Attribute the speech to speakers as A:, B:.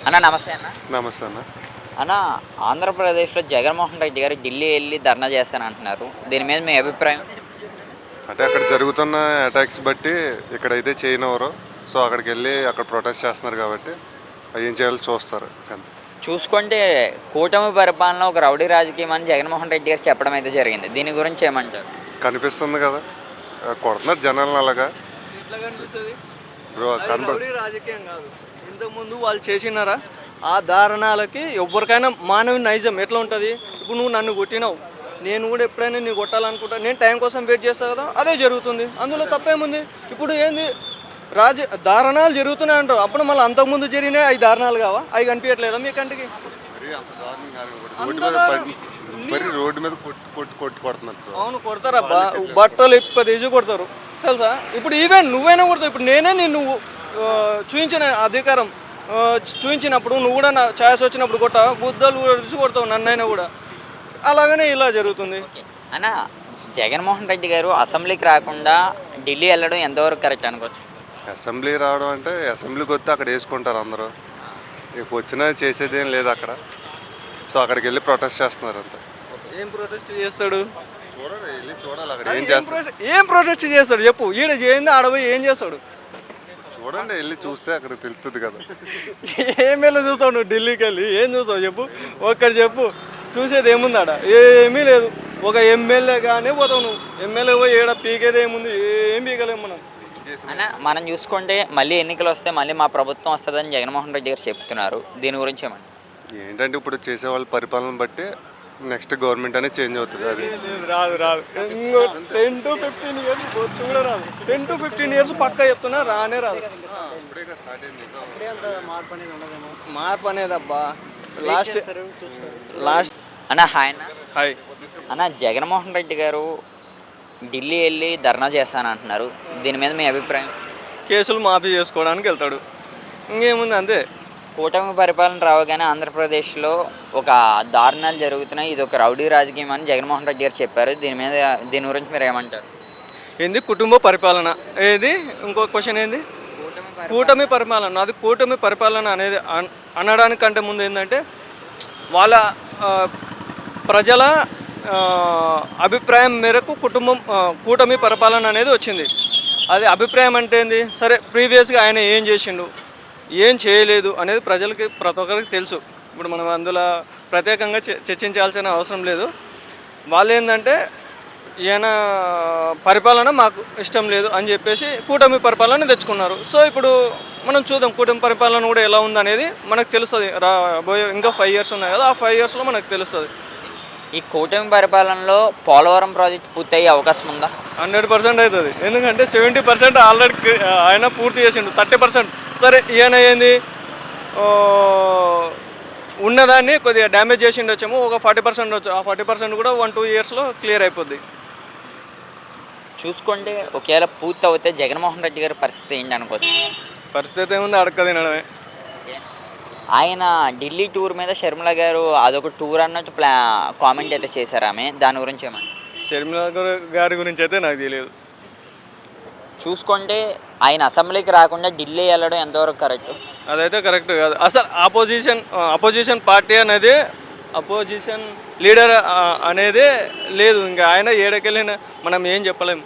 A: అన్న నమస్తే అన్న.
B: నమస్తే అన్న.
A: అన్న, ఆంధ్రప్రదేశ్లో జగన్మోహన్ రెడ్డి గారు ఢిల్లీ వెళ్ళి ధర్నా చేస్తానంటున్నారు. దీని మీద మీ అభిప్రాయం?
B: అంటే అక్కడ జరుగుతున్న అటాక్స్ బట్టి ఇక్కడైతే చేయనివ్వరు. సో అక్కడికి వెళ్ళి అక్కడ ప్రొటెస్ట్ చేస్తున్నారు కాబట్టి ఏం చేయాలో చూస్తారు.
A: చూసుకుంటే కూటమి పరిపాలన ఒక రౌడీ రాజకీయం అని జగన్మోహన్ రెడ్డి గారు చెప్పడం అయితే జరిగింది. దీని గురించి ఏమంటారు?
B: కనిపిస్తుంది కదా, కొడుతున్నారు జనాలను అలాగా.
C: ఎట్లా కనిపిస్తుంది?
B: బ్రో
C: రౌడీ రాజకీయం కాదు. ఇంతకుముందు వాళ్ళు చేసినారా ఆ దారుణాలకి ఎవరికైనా మానవ నైజం ఎట్లా ఉంటుంది? ఇప్పుడు నువ్వు నన్ను కొట్టినావు, నేను కూడా ఎప్పుడైనా నీ కొట్టాలనుకుంటా, నేను టైం కోసం వెయిట్ చేస్తా కదా, అదే జరుగుతుంది. అందులో తప్పేముంది? ఇప్పుడు ఏంది దారుణాలు జరుగుతున్నాయి అంటారు, అప్పుడు మళ్ళీ అంతకుముందు జరిగినాయి అవి దారుణాలు కావా? అవి కనిపించట్లేదా మీ కంటికి?
B: రోడ్డు మీద కొడుతున్నారు.
C: అవును, కొడతారబ్బా, బట్టలు ఎక్కువ తీసి కొడతారు తెలుసా. ఇప్పుడు ఈవెన్ నువ్వైనా కొడతావు. ఇప్పుడు నేనే నిన్ను చూపించిన అధికారం చూపించినప్పుడు నువ్వు కూడా నా ఛాయస్ వచ్చినప్పుడు కొట్ట గుద్దలు తీసి కొడతావు నన్నైనా కూడా. అలాగనే ఇలా జరుగుతుంది.
A: అన్న, జగన్మోహన్ రెడ్డి గారు అసెంబ్లీకి రాకుండా ఢిల్లీ వెళ్ళడం ఎంతవరకు కరెక్ట్ అనుకోవచ్చు?
B: అసెంబ్లీ రావడం అంటే అసెంబ్లీకి వస్తే అక్కడ వేసుకుంటారు అందరూ. ఇక వచ్చినా చేసేది ఏం లేదు అక్కడ. సో అక్కడికి వెళ్ళి ప్రొటెస్ట్ చేస్తున్నారు అంతా.
C: ఏం ప్రొటెస్ట్ చేస్తాడు?
B: చూడాలి అక్కడ ఏం చేస్తాడు.
C: ఏం ప్రొటెస్ట్ చేస్తాడు చెప్పు. ఈడ చేయింది ఆడపోయి ఏం చేస్తాడు?
B: చూడండి, వెళ్ళి చూస్తే అక్కడ తెలుస్తుంది కదా.
C: ఏం వెళ్ళి చూస్తావు నువ్వు? ఢిల్లీకి వెళ్ళి ఏం చూస్తావు చెప్పు? ఒక్కటి చెప్పు. చూసేది ఏముంది ఆడ? ఏమీ లేదు. ఒక ఎమ్మెల్యేగానే పోతావు నువ్వు. ఎమ్మెల్యే పోయి ఏడ పీకేది ఏముంది? ఏం పీకలేము మనం.
A: అన్న, మనం చూసుకుంటే మళ్ళీ ఎన్నికలు వస్తే మళ్ళీ మా ప్రభుత్వం వస్తుందని జగన్మోహన్ రెడ్డి గారు చెప్తున్నారు. దీని గురించి ఏమండి?
B: ఏంటంటే ఇప్పుడు చేసే వాళ్ళ పరిపాలన బట్టి నెక్స్ట్ గవర్నమెంట్ అనేది చేంజ్ అవుతుంది. అది
C: రాదు రాదు. ఇంకో 10 to 15 years కూడా రాదు. 10 to 15 years పక్కా చెప్తున్నా, రానే రాదు. మార్పు అనేది అబ్బా లాస్ట్.
A: అన్న హాయ్. అన్న
C: హాయ్.
A: అన్న, జగన్మోహన్ రెడ్డి గారు ఢిల్లీ వెళ్ళి ధర్నా చేస్తానంటున్నారు. దీని మీద మీ అభిప్రాయం?
C: కేసులు మాఫీ చేసుకోవడానికి వెళ్తాడు, ఇంకేముంది అంతే.
A: కూటమి పరిపాలన రావగానే ఆంధ్రప్రదేశ్లో ఒక దారుణాలు జరుగుతున్నాయి, ఇది ఒక రౌడీ రాజకీయం అని జగన్మోహన్ రెడ్డి గారు చెప్పారు. దీని గురించి మీరు ఏమంటారు?
C: ఏంది కుటుంబ పరిపాలన? ఏది ఇంకో క్వశ్చన్ ఏంది? కూటమి పరిపాలన. అది కూటమి పరిపాలన అనేది అనడానికంటే ముందు ఏంటంటే వాళ్ళ ప్రజల అభిప్రాయం మేరకు కూటమి పరిపాలన అనేది వచ్చింది. అది అభిప్రాయం అంటే ఏంది? సరే, ప్రీవియస్గా ఆయన ఏం చేసిండు, ఏం చేయలేదు అనేది ప్రజలకి ప్రతి ఒక్కరికి తెలుసు. ఇప్పుడు మనం అందులో ప్రత్యేకంగా చర్చించాల్సిన అవసరం లేదు. వాళ్ళు ఏంటంటే ఈయన పరిపాలన మాకు ఇష్టం లేదు అని చెప్పేసి కూటమి పరిపాలన తెచ్చుకున్నారు. సో ఇప్పుడు మనం చూద్దాం కూటమి పరిపాలన కూడా ఎలా ఉందనేది మనకు తెలుస్తుంది. రాబోయే ఇంకా 5 years ఉన్నాయి కదా, ఆ 5 yearsలో మనకు తెలుస్తుంది.
A: ఈ కూటమి పరిపాలనలో పోలవరం ప్రాజెక్ట్ పూర్తయ్యే అవకాశం ఉందా?
C: 100% అవుతుంది. ఎందుకంటే 70% ఆల్రెడీ ఆయన పూర్తి చేసిండు. 30% సరే, ఈయన ఏంది ఉన్నదాన్ని కొద్దిగా డ్యామేజ్ చేసిండు వచ్చాము, ఒక 40% వచ్చు. ఆ 40% కూడా 1-2 yearsలో క్లియర్ అయిపోద్ది.
A: చూసుకుంటే ఒకవేళ పూర్తి అవుతే జగన్మోహన్ రెడ్డి గారి పరిస్థితి ఏంటి అనుకోవచ్చు?
C: పరిస్థితి ఏముంది, అడక్క తినడమే.
A: ఆయన ఢిల్లీ టూర్ మీద షర్మిల గారు అదొక టూర్ అన్నట్టు కామెంట్ అయితే చేశారు ఆమె. దాని గురించి ఏమన్నా?
C: షర్మిల గారి గురించి అయితే నాకు తెలియదు.
A: చూసుకుంటే ఆయన అసెంబ్లీకి రాకుండా ఢిల్లీ వెళ్ళడం ఎంతవరకు కరెక్ట్?
C: అదైతే కరెక్ట్ కాదు. అసలు అపోజిషన్ పార్టీ అనేది, అపోజిషన్ లీడర్ అనేది లేదు. ఇంకా ఆయన ఏడకెళ్ళిన మనం ఏం చెప్పలేము.